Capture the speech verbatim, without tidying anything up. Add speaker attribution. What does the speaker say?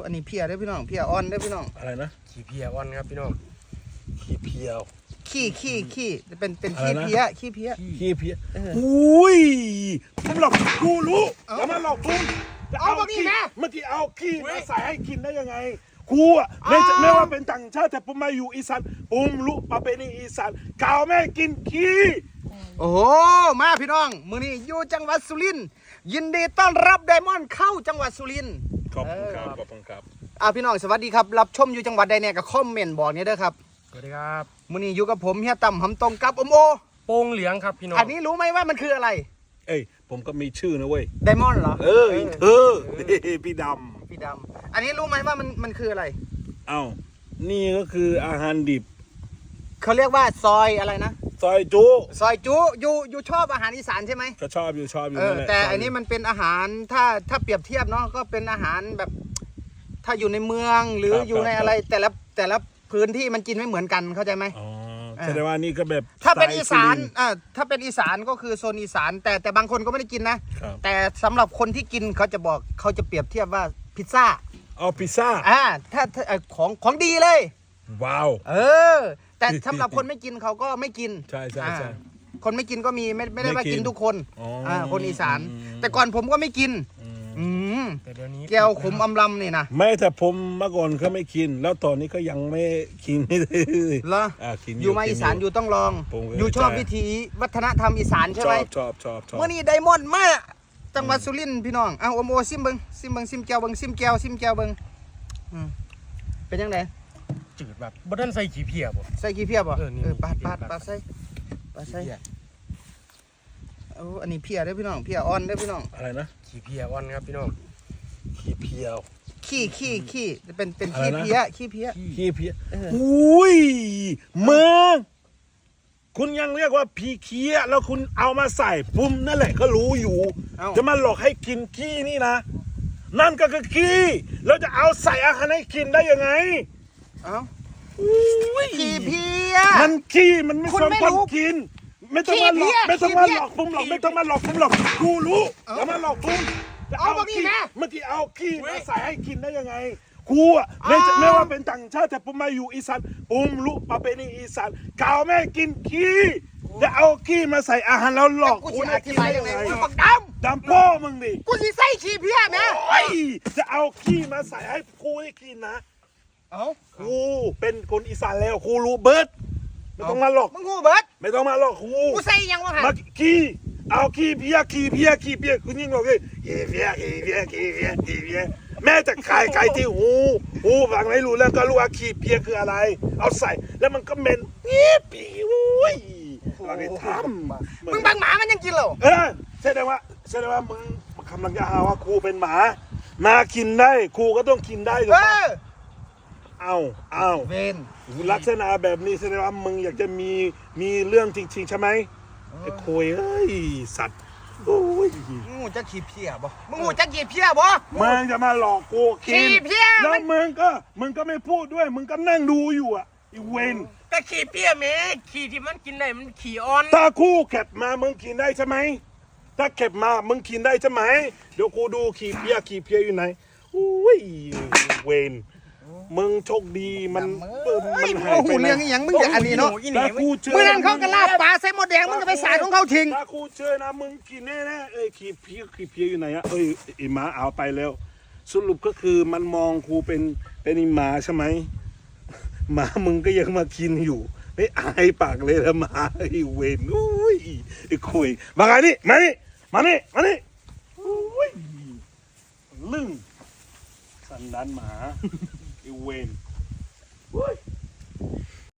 Speaker 1: อันนี้เพียได้พี่น้องเพียอ่อนได้พี่น้อง
Speaker 2: อะไรนะ
Speaker 3: ขี้เพียอ่อนครับพี่น้อง
Speaker 2: ขี้เพียว
Speaker 1: ขี้ขี้ขี้เป็นเป็นขี้เพียขี้เพีย
Speaker 2: ขี้เพียอุ้ยผมหลอกกูรู้แล้วมันหลอกผมจะเอาขี้เมื่อกี้เอาขี้มาใส่ให้กินได้ยังไงกูอ่ะไม่ไม่ว่าเป็นต่างชาติแต่ผมมาอยู่อีสานผมรู้ประเพณีอีสานกาวแม่กินขี้
Speaker 1: โอ้โหมาพี่น้องมื้อนี้อยู่จังหวัดสุรินทร์ยินดีต้อนรับไดมอนด์เข้าจังหวัดสุรินทร์
Speaker 2: ขอบคุณครับขอบคุณครับ
Speaker 1: อ่าพี่น้องสวัสดีครับรับชมอยู่จังหวัดใดเนี่ยก็คอมเมนต์บอกเนี่ยเด้อครับ
Speaker 3: สวัสดีครับ
Speaker 1: มื้อนี้อยู่กับผมเฮียต่ำหำตรงกับอมโอ
Speaker 3: โป่งเหลืองครับพี่น้อง
Speaker 1: อันนี้รู้ไหมว่ามันคืออะไร
Speaker 2: เอ้ยผมก็มีชื่อนะเว้ย
Speaker 1: ไดมอนด์เหรอ
Speaker 2: เออเธอพี่ดำ
Speaker 1: พี่ดำอันนี้รู้ไหมว่ามันมันคืออะไร
Speaker 2: เอ้านี่ก็คืออาหารดิบ
Speaker 1: เขาเรียกว่าซอยอะไรนะ
Speaker 2: ซอยจุ
Speaker 1: ซอยจุอยู่อยู่ชอบอาหารอีสานใช่ไหม
Speaker 2: ก็ชอบอยู่ชอบอยู่
Speaker 1: เออแต่อันนี้มันเป็นอาหารถ้าถ้าเปรียบเทียบเนาะก็เป็นอาหารแบบถ้าอยู่ในเมืองหรืออยู่ในอะไรแต่ละแต่ละพื้นที่มันกินไม่เหมือนกันเข้าใจไหม
Speaker 2: อ๋อแสดงว่านี่ก็แบบ
Speaker 1: ถ้าเป็นอีสานอ่าถ้าเป็นอีสานก็คือโซนอีสานแต่แต่บางคนก็ไม่ได้กินนะแต่สำหรับคนที่กินเขาจะบอกเขาจะเปรียบเทียบว่าพิซซ่า
Speaker 2: อ๋อพิซซ่า
Speaker 1: อ่าถ้าของของดีเลย
Speaker 2: ว้าว
Speaker 1: เออแต่สำหรับคนไม่กินเขาก็ไม่กิน
Speaker 2: ใช่ใช่ใช่
Speaker 1: คนไม่กินก็มีไม่ไม่ได้ว่ากินทุกคนอ่าคนอีสานแต่ก่อนผมก็ไม่กินอืม
Speaker 3: แต่เดี๋ยวนี้
Speaker 1: แก้วขมอำลำนี่นะ
Speaker 2: ไม่แต่ผมเมื่อก่อนก็ไม่กินแล้วตอนนี้ก็ยังไม่กินเลย
Speaker 1: เหรออยู่มาอีสานอยู่ต้องลองอยู่ชอบวิถีวัฒนธรรมอีสานใช่ไหม
Speaker 2: ชอบชอบชอบ
Speaker 1: เมื่อนี้ไดมอนด์มาจังหวัดสุรินทร์พี่น้องเอาโอโมซิมเบิงซิมเบิงซิมแก้วเบิงซิมแก้วซิมแก้วเบิงเป็นยังไง
Speaker 3: จืดแบบบ่ทันใส่ขี้เพียบ่
Speaker 1: ใส่ขี้เพียบ่เออปาดปาดปาดใส่ปาดใส่เอาอันนี้เพียได้พี่น้องเพียอ่อนได้พี่น้อง
Speaker 2: อะไรนะ
Speaker 3: ขี้เพียอ่อนครับพี่น้อง
Speaker 2: ขี้เพียว
Speaker 1: ขี้ขี้ขี้เป็นเป็นขี้เพียขี้เพีย
Speaker 2: ขี้เพียอุ้ยเมืองคุณยังเรียกว่าพีเคียแล้วคุณเอามาใส่ปุ่มนั่นแหละก็รู้อยู่จะมาหลอกให้กินขี้นี่นะนั่นก็คือขี้แล้วจะเอาใส่อาหารให้กินได้ยังไง
Speaker 1: เอ้าขี้เพีย
Speaker 2: มันขี้มันไม่สมควรกินไม่ต้องมาหลอกไม่ต้องมาหลอกผมหรอกไม่ต้องมาหลอกผมหรอกกูรู้แล้วมาหลอกผมจะเอาขี้เมื่อกี้เอาขี้มาใส่ให้กินได้ยังไงกูอ่ะไม่ไม่ว่าเป็นต่างชาติแต่ผมมาอยู่อีสานผมรู้ประเพณีอีสานกาวแม่กินขี้จะเอาขี้มาใส่อาหารแล้วหลอกกูได้กินได้ยังไง
Speaker 1: ดำ
Speaker 2: ดำพ่อมึงดิ
Speaker 1: กูสิใส่ขี้เพียนะ
Speaker 2: จะเอาขี้มาใส่ให้กูได้กินนะ
Speaker 1: เอ้า
Speaker 2: กูเป็นคนอีสานแล้วกูรู้เบิร์ดไม่ต้องมาหลอก
Speaker 1: มึงงูเบิร์ด
Speaker 2: ไม่ต้องมาหลอกกู
Speaker 1: กูใส่ยังวะฮะ
Speaker 2: มาขี้เอาขี้เพียขี้เพียขี้เพียคุณยิ่งบอกเลยขี้เพียขี้เพียขี้เพียขี้เพียแม่จะขายขายที่หูหูฟังไม่รู้แล้วก็รู้ว่าขี้เพียคืออะไรเอาใส่แล้วมันก็เหม็นปี๊ปีอุ้ยเราได้ทำ
Speaker 1: มึงบังหมามันยังกินเหรอ
Speaker 2: เออแสดงว่าแสดงว่ามึงกำลังจะหาว่ากูเป็นหมามากินได้กูก็ต้องกินได้ถูกปะเอาเอา
Speaker 1: เวน
Speaker 2: ลักษณะแบบนี้แสดงว่ามึงอยากจะมีมีเรื่องจริงๆใช่ไหมไอ้โคยเอ้ยสัตว์โอ้ย
Speaker 1: มึงจะขี้เพี้ยบ่มึงจะขี้เพี้ยบ่
Speaker 2: มึงจะมาหลอกกูกินแล้วมึงก็มึงก็ไม่พูดด้วยมึงก็นั่งดูอยู่อ่ะไอ้เวน
Speaker 3: ก็ขี้เพี้ยแม่ขี้ที่มันกินได้มันขี้อ่อน
Speaker 2: ถ้าคู่เก็บมามึงกินได้ใช่ไหมถ้าเก็บมามึงกินได้ใช่ไหมเดี๋ยวกูดูขี้เพี้ยขี้เพี้ยอยู่ไหนอุ้ยเวนมึงโชคดีมัน
Speaker 1: มันหายไปเรื่องอย่างมึงอย่างอันนี้เนาะเมื่อนั้นเขากระลาบปลาใส่หมดแดงมึงก็ไปสายของเขาทิ้ง
Speaker 2: ถ้ากูเจอนะมึงกินแน่ๆเอ้ยขี้เพี้ยขี้เพี้ยอยู่ไหนอะเอ้ยไอหมาเอาไปแล้วสรุปก็คือมันมองกูเป็นเป็นไอหมาใช่ไหมหมามึงก็ยังมากินอยู่ไม่อายปากเลยละหมาไอเวนอุ้ยไอคุยมาไงนี่มานี่มานี่มานี่อุ้ยลึ่งสันดานหมาไอเวน